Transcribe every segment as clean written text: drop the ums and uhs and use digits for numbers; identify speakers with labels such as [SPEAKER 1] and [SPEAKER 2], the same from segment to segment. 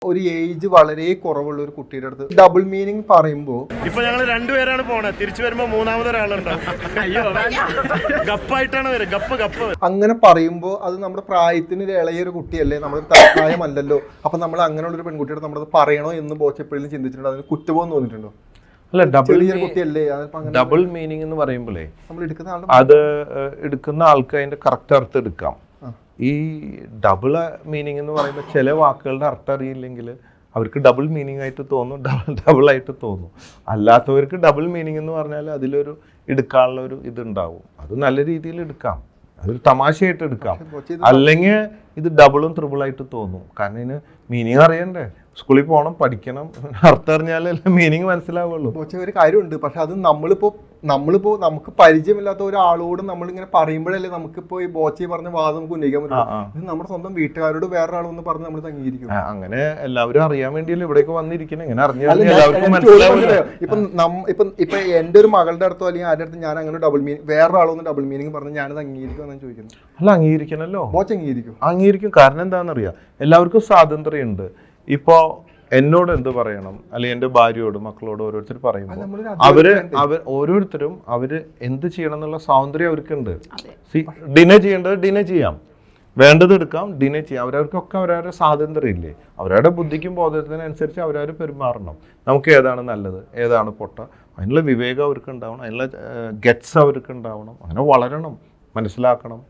[SPEAKER 1] ഒരു ഏജ് വളരെ കുറവുള്ള ഒരു കുട്ടിയുടെ അടുത്ത് ഡബിൾ മീനിങ് പറയുമ്പോൾ
[SPEAKER 2] ഇപ്പൊ ഞങ്ങൾ രണ്ടുപേരാണ് പോണത്, തിരിച്ചു വരുമ്പോ മൂന്നാമതൊരാളുണ്ടാവും. അയ്യോ ഗപ്പായിട്ടാണ് വരും, ഗപ്പ്. അങ്ങനെ
[SPEAKER 1] പറയുമ്പോൾ അത് നമ്മുടെ പ്രായത്തിന് ഇളയൊരു കുട്ടിയല്ലേ, നമ്മുടെ പ്രായമല്ലല്ലോ, അപ്പൊ നമ്മൾ അങ്ങനെയുള്ള ഒരു പെൺകുട്ടിയോട് നമ്മളത് പറയണോ എന്ന് ബോച്ചെപ്പോഴും ചിന്തിച്ചിട്ടുണ്ടോ? അതിന് കുറ്റബോധം തോന്നിയിട്ടുണ്ടോ?
[SPEAKER 3] അല്ല,
[SPEAKER 1] ഡബിൾ
[SPEAKER 3] മീനിങ് എന്ന് പറയുമ്പോഴേ
[SPEAKER 1] നമ്മൾ
[SPEAKER 3] അത് എടുക്കുന്ന ആൾക്ക് അതിന്റെ കറക്റ്റ് അർത്ഥം എടുക്കാം. ഈ ഡബിൾ മീനിങ് എന്ന് പറയുമ്പോൾ ചില വാക്കുകളുടെ അർത്ഥം അറിയില്ലെങ്കിൽ അവർക്ക് ഡബിൾ മീനിങ് ആയിട്ട് തോന്നും, ഡബിൾ ആയിട്ട് തോന്നും. അല്ലാത്തവർക്ക് ഡബിൾ മീനിങ് എന്ന് പറഞ്ഞാൽ അതിലൊരു എടുക്കാനുള്ള ഒരു ഇതുണ്ടാവും. അത് നല്ല രീതിയിൽ എടുക്കാം, അതൊരു തമാശയായിട്ട് എടുക്കാം. അല്ലെങ്കിൽ ഇത് ഡബിളും ത്രിബിളായിട്ട് തോന്നും. കാരണം ഇതിന് മീനിങ് അറിയണ്ടേ, സ്കൂളിൽ പോകണം, പഠിക്കണം, അർത്ഥം അറിഞ്ഞാലേ മീനിങ് മനസ്സിലാവുള്ളൂ.
[SPEAKER 1] ഒരു കാര്യമുണ്ട്, പക്ഷെ അത് നമ്മളിപ്പോ നമുക്ക് പരിചയമില്ലാത്ത ഒരാളോട് നമ്മളിങ്ങനെ പറയുമ്പോഴല്ലേ നമുക്കിപ്പോ ഈ ബോച്ചി പറഞ്ഞ വാദം നമുക്ക് ഉന്നയിക്കാൻ പറ്റും. ഇത് നമ്മുടെ സ്വന്തം വീട്ടുകാരോട് വേറൊരാളൊന്ന് പറഞ്ഞ് നമ്മൾ അംഗീകരിക്കും.
[SPEAKER 3] അങ്ങനെ എല്ലാവരും അറിയാൻ വേണ്ടിയല്ലേ ഇവിടേക്ക് വന്നിരിക്കുന്നത്. ഇങ്ങനെ അറിഞ്ഞാൽ എല്ലാവർക്കും മനസ്സിലാവില്ല.
[SPEAKER 1] ഇപ്പൊ എന്റെ ഒരു മകളുടെ അടുത്തോ അല്ലെങ്കിൽ ആരുടെ അടുത്ത് ഞാൻ അങ്ങനെ ഡബിൾ മീനിങ് വേറൊരാളൊന്ന് ഡബിൾ മീനിങ് പറഞ്ഞ് ഞാനത് അംഗീകരിക്കും എന്നാണ് ചോദിക്കുന്നത്.
[SPEAKER 3] അല്ല, അംഗീകരിക്കണല്ലോ.
[SPEAKER 1] ബോച്ച്
[SPEAKER 3] അംഗീകരിക്കും. കാരണം എന്താണെന്നറിയാം, എല്ലാവർക്കും സ്വാതന്ത്ര്യമുണ്ട്. ഇപ്പോ എന്നോട് എന്ത് പറയണം, അല്ലെങ്കിൽ എൻ്റെ ഭാര്യയോട് മക്കളോട് ഓരോരുത്തർ പറയുമ്പോൾ ഓരോരുത്തരും എന്ത് ചെയ്യണം എന്നുള്ള സ്വാതന്ത്ര്യം അവർക്കുണ്ട്. ഡിനേ ചെയ്യേണ്ടത് ഡിനേ ചെയ്യാം, വേണ്ടത് എടുക്കാം, ഡിനേ ചെയ്യാം. അവരവർക്കൊക്കെ അവരവരുടെ സ്വാതന്ത്ര്യം ഇല്ലേ, അവരവരുടെ ബുദ്ധിക്കും ബോധത്തിനനുസരിച്ച് അവരവർ പെരുമാറണം. നമുക്ക് ഏതാണ് നല്ലത്, ഏതാണ് പൊട്ട, അതിനുള്ള വിവേകം അവർക്ക് ഉണ്ടാവണം, അതിനുള്ള ഗറ്റ്സ് അവർക്ക് ഉണ്ടാവണം. അങ്ങനെ വളരണം, മനസ്സിലാക്കണം.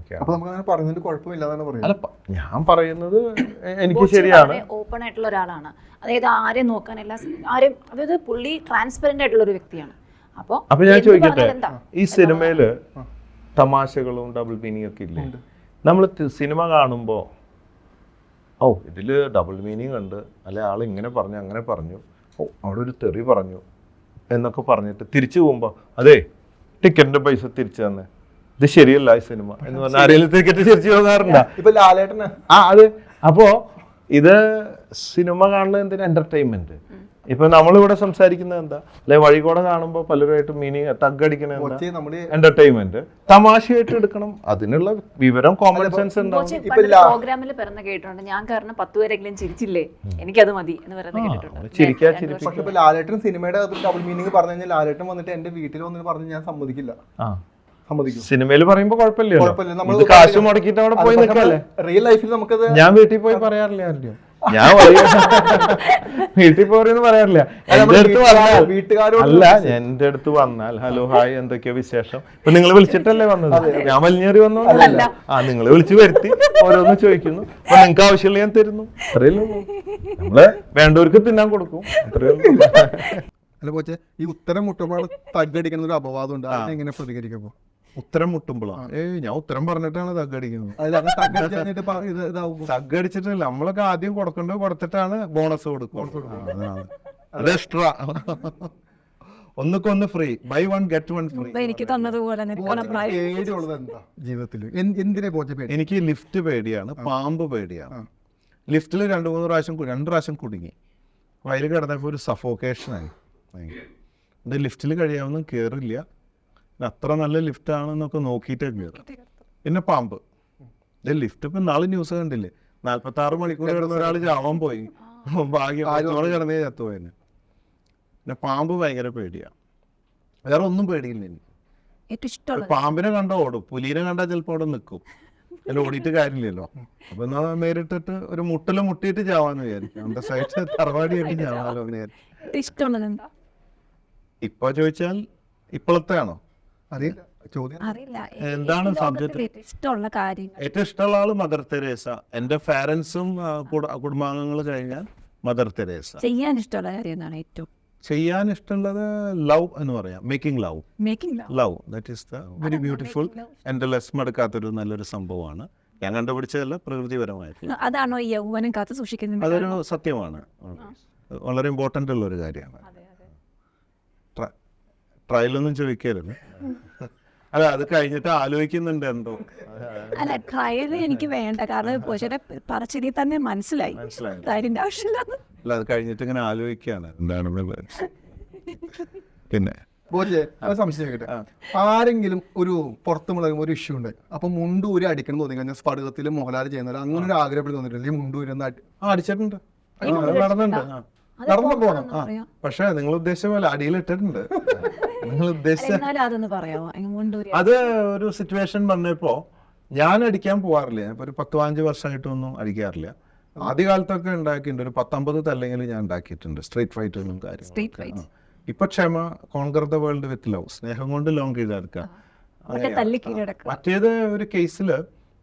[SPEAKER 1] അല്ല,
[SPEAKER 3] ഞാൻ പറയുന്നത് എനിക്ക് ശരിയാണ്.
[SPEAKER 4] ഓപ്പൺ ആയിട്ടുള്ള ഒരാളാണ്, അതായത് ആരെയും നോക്കാനല്ല, അതായത് പുള്ളി ട്രാൻസ്പെറന്റ് ആയിട്ടുള്ള ഒരു വ്യക്തിയാണ്.
[SPEAKER 3] അപ്പൊ ഞാൻ ചോദിക്കട്ടെ, ഈ സിനിമയില് തമാശകളും ഡബിൾ മീനിങ് ഒക്കെ ഇല്ലേ? നമ്മൾ സിനിമ കാണുമ്പോ ഇതില് ഡബിൾ മീനിങ് ഉണ്ട്, അല്ലെ ആൾ ഇങ്ങനെ പറഞ്ഞു അങ്ങനെ പറഞ്ഞു, അവിടെ ഒരു തെറി പറഞ്ഞു എന്നൊക്കെ പറഞ്ഞിട്ട് തിരിച്ചു പോകുമ്പോ അതെ ടിക്കറ്റിന്റെ പൈസ തിരിച്ചു തന്നെ, ഇത് ശരിയല്ല ഈ സിനിമ എന്ന് പറഞ്ഞാൽ ആരെങ്കിലും ടിക്കറ്റ് തിരിച്ചു പോകാറുണ്ടോ? അത് അപ്പോ ഇത് സിനിമ കാണുന്നത് എന്തിനാ? എന്റർടൈൻമെന്റ്. ഇപ്പൊ നമ്മളിവിടെ സംസാരിക്കുന്നത് എന്താ, അല്ലെ വഴികൂടെ കാണുമ്പോ പലരുമായിട്ട് മീനിങ് തഗ്ഗടിക്കണ എന്റർടൈൻമെന്റ്, തമാശയായിട്ട് എടുക്കണം. അതിനുള്ള വിവരം, കോമൺ സെൻസ് ഉണ്ടാവും.
[SPEAKER 4] പ്രോഗ്രാമിൽ പറഞ്ഞ കേട്ടിട്ടുണ്ട്, ഞാൻ കാരണം 10 പേരെങ്കിലും ചിരിച്ചില്ലേ, എനിക്കത് മതി എന്ന് പറയുന്നത് കേട്ടിട്ടുണ്ട്.
[SPEAKER 1] ലാലേട്ടൻ സിനിമയുടെ ഡബിൾ മീനിങ് പറഞ്ഞു കഴിഞ്ഞാൽ ലാലേട്ടൻ വന്നിട്ട് എന്റെ വീട്ടിൽ വന്നിട്ട് പറഞ്ഞ് ഞാൻ സമ്മതിക്കില്ല.
[SPEAKER 3] സിനിമയിൽ പറയുമ്പോ കുഴപ്പമില്ല, കാശ് മുടക്കിട്ട് അവിടെ പോയി നിൽക്കല്ലേ.
[SPEAKER 1] റിയൽ ലൈഫിൽ നമുക്കത്
[SPEAKER 3] ഞാൻ വീട്ടിൽ പോയി പറയാറില്ല ആരുടെയും. ഞാൻ വീട്ടിൽ പോരെന്ന് പറയാറില്ല. എന്റെ അടുത്ത് വന്നാൽ ഹലോ ഹായ് എന്തൊക്കെയോ വിശേഷം, ഇപ്പൊ നിങ്ങൾ വിളിച്ചിട്ടല്ലേ വന്നത്, ഞാൻ വലിഞ്ഞേറി വന്നതല്ല. നിങ്ങൾ വിളിച്ചു വരുത്തി ഓരോന്ന് ചോദിക്കുന്നു, അപ്പൊ നിങ്ങൾക്ക് ആവശ്യമുള്ള ഞാൻ തരുന്നു, അത്രയല്ലേ ഉള്ളൂ. നമ്മള് വേണ്ടവർക്ക് തിന്നാൻ കൊടുക്കും, അത്രയേ ഉള്ളൂ.
[SPEAKER 1] അല്ല പോച്ചെ, ഈ ഉത്തരം മുട്ടുമ്പോൾ തഗ്ഗടിക്കുന്ന ഒരു അപവാദം ഉണ്ട്, എങ്ങനെ പ്രതികരിക്കുമ്പോ?
[SPEAKER 3] ഉത്തരം മുട്ടുമ്പോഴാണ് ഞാൻ ഉത്തരം പറഞ്ഞിട്ടാണ് തഗ്ഗടിക്കുന്നത്. തഗ്ഗടിച്ചിട്ടില്ല, നമ്മളൊക്കെ ആദ്യം കൊടുക്കേണ്ടത് കൊടുത്തിട്ടാണ് ബോണസ് കൊടുക്കും. അത് എക്സ്ട്രാ, ഒന്നുക്കൊന്ന് free, buy one get one free.
[SPEAKER 4] എനിക്ക് തന്നതുപോലെ
[SPEAKER 1] ജീവിതത്തിൽ എന്തിനെ പോച്ച?
[SPEAKER 3] എനിക്ക് ലിഫ്റ്റ് പേടിയാണ്, പാമ്പ് പേടിയാണ്. ലിഫ്റ്റിൽ 2 പ്രാവശ്യം കുടുങ്ങി, വയൽ കിടന്നപ്പോൾ ഒരു സഫോക്കേഷനായി. ലിഫ്റ്റിൽ കഴിയാവുന്ന കയറില്ല, അത്ര നല്ല ലിഫ്റ്റ് ആണെന്നൊക്കെ നോക്കിയിട്ടേ കയറും. പിന്നെ പാമ്പ്, ലിഫ്റ്റ് ഇപ്പം നാളെ ന്യൂസ് കണ്ടില്ലേ, 46 മണിക്കൂർ കിടന്ന ഒരാൾ ചാവാൻ പോയി, ഭാഗ്യം കിടന്നേ ചത്തുപോയെന്നെ. പിന്നെ പാമ്പ് ഭയങ്കര പേടിയാണ്, വേറെ ഒന്നും പേടിയില്ല എനിക്ക്. പാമ്പിനെ കണ്ടാൽ ഓടും, പുലിനെ കണ്ടാൽ ചിലപ്പോൾ അവിടെ നിൽക്കും, അതിൽ ഓടിയിട്ട് കാര്യമില്ലല്ലോ. അപ്പൊ എന്നാ നേരിട്ടിട്ട് ഒരു മുട്ടിയിട്ട് ചാവാന്ന് വിചാരിക്കും, അന്റെ സൈഡ് തറവാടിയായിട്ട് ചാവാലോ എന്ന് വിചാരിക്കും. ഇപ്പൊ ചോദിച്ചാൽ ഇപ്പോഴത്തെ ആണോ
[SPEAKER 1] അറിയില്ല,
[SPEAKER 3] എന്താണ് സബ്ജക്ട്? ഏറ്റവും ഇഷ്ടമുള്ള ആള് മദർ തെരേസ. എന്റെ പാരന്റ്സും കുടുംബാംഗങ്ങൾ കഴിഞ്ഞാൽ മദർ തെരേസ.
[SPEAKER 4] ചെയ്യാൻ ഇഷ്ടമുള്ള കാര്യം എന്താണ്? ഏറ്റവും
[SPEAKER 3] ചെയ്യാൻ ഇഷ്ടമുള്ളത് ലവ് എന്ന് പറയാം, making love. That is the very beautiful. എന്റെ ലെസ്മെടുക്കാത്തൊരു നല്ലൊരു സംഭവമാണ്, ഞാൻ കണ്ടുപിടിച്ചതല്ല, പ്രകൃതിപരമായിട്ട്.
[SPEAKER 4] അതാണോ ഈ യൗവനം കാത്തു സൂക്ഷിക്കുന്നത്?
[SPEAKER 3] അതൊരു സത്യമാണ്, വളരെ ഇമ്പോർട്ടൻ്റ് ഉള്ള ഒരു കാര്യമാണ്. ട്രയലൊന്നും ചോദിക്കരുത്. അല്ല, അത് കഴിഞ്ഞിട്ട് ആലോചിക്കുന്നുണ്ട് എന്തോ.
[SPEAKER 4] അല്ല, ട്രയൽ എനിക്ക് വേണ്ട, കാരണം പറച്ചിരി തന്നെ മനസ്സിലായി അതിന്റെ ആവശ്യമില്ല.
[SPEAKER 3] അല്ല, അത് കഴിഞ്ഞിട്ട് ഇങ്ങനെ ആലോചിക്കാണ് എന്താണ്. പിന്നെ
[SPEAKER 1] സംശയിക്കട്ടെ, ആരെങ്കിലും ഒരു പുറത്ത് മുളകും ഒരു ഇഷ്യൂ ഉണ്ട്, അപ്പൊ മുണ്ടൂരി അടിക്കണം തോന്നി കഴിഞ്ഞാൽ സ്ഫടികത്തിൽ മോഹൻലാൽ ചെയ്യുന്ന അങ്ങനെ ഒരു ആഗ്രഹപ്പെട്ട് തോന്നിട്ടില്ല, മുണ്ടൂരി ഒന്ന്
[SPEAKER 3] അടിച്ചിട്ടുണ്ട്. നടന്നുണ്ട്.
[SPEAKER 1] നടന്നു പോകണം.
[SPEAKER 3] പക്ഷെ നിങ്ങൾ ഉദ്ദേശിച്ച പോലെ അടിയിലിട്ടിട്ടുണ്ട്. നിങ്ങൾ ഉദ്ദേശിച്ച
[SPEAKER 5] അതൊന്ന് പറയാമോ മുണ്ടൂരി?
[SPEAKER 3] അത് ഒരു സിറ്റുവേഷൻ പറഞ്ഞപ്പോ ഞാൻ അടിക്കാൻ പോവാറില്ല. ഇപ്പൊ ഒരു 10-15 വർഷമായിട്ടൊന്നും അടിക്കാറില്ല. ആദ്യകാലത്തൊക്കെ ഉണ്ടാക്കിയിട്ടുണ്ട്. ഒരു 19 തല്ലെങ്കിലും ഞാൻ ഉണ്ടാക്കിയിട്ടുണ്ട്. സ്ട്രീറ്റ് ഫൈറ്റൊന്നും കാര്യം. ഇപ്പൊ ക്ഷമ, conquer the world with love, സ്നേഹം കൊണ്ട് ലോങ് കീഴടക്കുക. മറ്റേത് ഒരു കേസില്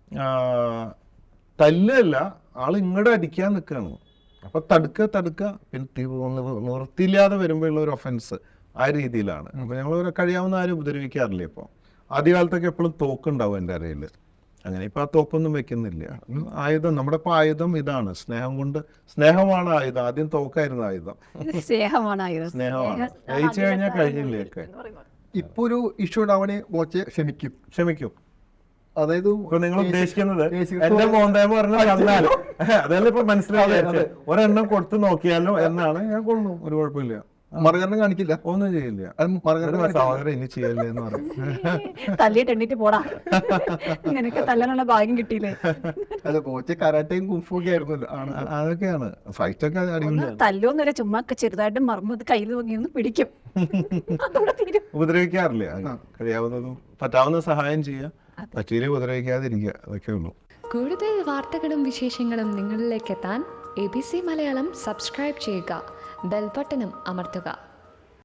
[SPEAKER 3] തല്ലല്ല, ആള് ഇങ്ങോട്ട് അടിക്കാൻ നിൽക്കുകയാണ്. അപ്പൊ തടുക്ക പിന്നെ നിർത്തിയില്ലാതെ വരുമ്പോഴുള്ള ഒരു ഒഫൻസ് ആ രീതിയിലാണ്. അപ്പൊ ഞങ്ങൾ കഴിയാവുന്ന ആരും ഉപദ്രവിക്കാറില്ല. ഇപ്പൊ ആദ്യകാലത്തൊക്കെ എപ്പോഴും തോക്കുണ്ടാവും എൻ്റെ അരയില്. അങ്ങനെ ഇപ്പൊ ആ തോക്കൊന്നും വെക്കുന്നില്ല. ആയുധം, നമ്മുടെ ഇപ്പൊ ആയുധം ഇതാണ്. സ്നേഹമാണ് ആയുധം. ആദ്യം തോക്കായിരുന്നു ആയുധം.
[SPEAKER 5] സ്നേഹമാണ്
[SPEAKER 3] ജയിച്ചു കഴിഞ്ഞാൽ കഴിഞ്ഞില്ലേ ഒക്കെ.
[SPEAKER 1] ഇപ്പൊ ഒരു ഇഷ്യൂ ഉണ്ടാവണേ ബോച്ചെ ക്ഷമിക്കും. അതായത്
[SPEAKER 3] ഇപ്പൊ നിങ്ങൾ ഉദ്ദേശിക്കുന്നത് എന്റെ മോന്തേമ പറഞ്ഞാൽ അതല്ല ഇപ്പൊ മനസ്സിലായത്. ഒരെണ്ണം കൊടുത്തു നോക്കിയാലോ എന്നാണ്. ഞാൻ കൊള്ളും, ഒരു കുഴപ്പമില്ല.
[SPEAKER 1] മറുകരണം കാണിക്കില്ല,
[SPEAKER 3] ഒന്നും ചെയ്യില്ല. സഹോദരൻ ഇനി ചെയ്യല്ലേ എന്ന് പറയും.
[SPEAKER 5] തല്ലിയിട്ട് എണ്ണീറ്റ് പോടാ, നിനക്ക് തല്ലാനുള്ള ഭാഗ്യം കിട്ടിയില്ലേ.
[SPEAKER 1] അല്ല ബോച്ചെ കരാട്ടയും കുംഫും ആയിരുന്നല്ലോ.
[SPEAKER 3] അതൊക്കെയാണ് ഫൈറ്റ് ഒക്കെ അടിപൊളിയാണ്.
[SPEAKER 5] തല്ലോന്നൊരു ചുമ്മാ ചെറുതായിട്ട് മറന്നത് കയ്യിൽ നോക്കിയൊന്ന് പിടിക്കും.
[SPEAKER 3] ഉപദ്രവിക്കാറില്ല. കഴിയാവുന്നതും പറ്റാവുന്ന സഹായം ചെയ്യുക, പറ്റിയില്ലേ ഉപദ്രവിക്കാതിരിക്കുക, അതൊക്കെ ഉള്ളൂ.
[SPEAKER 6] കൂടുതൽ വാർത്തകളും വിശേഷങ്ങളും നിങ്ങളിലേക്ക് എത്താൻ ABC മലയാളം സബ്സ്ക്രൈബ് ചെയ്യുക, ബെൽ ബട്ടണും അമർത്തുക.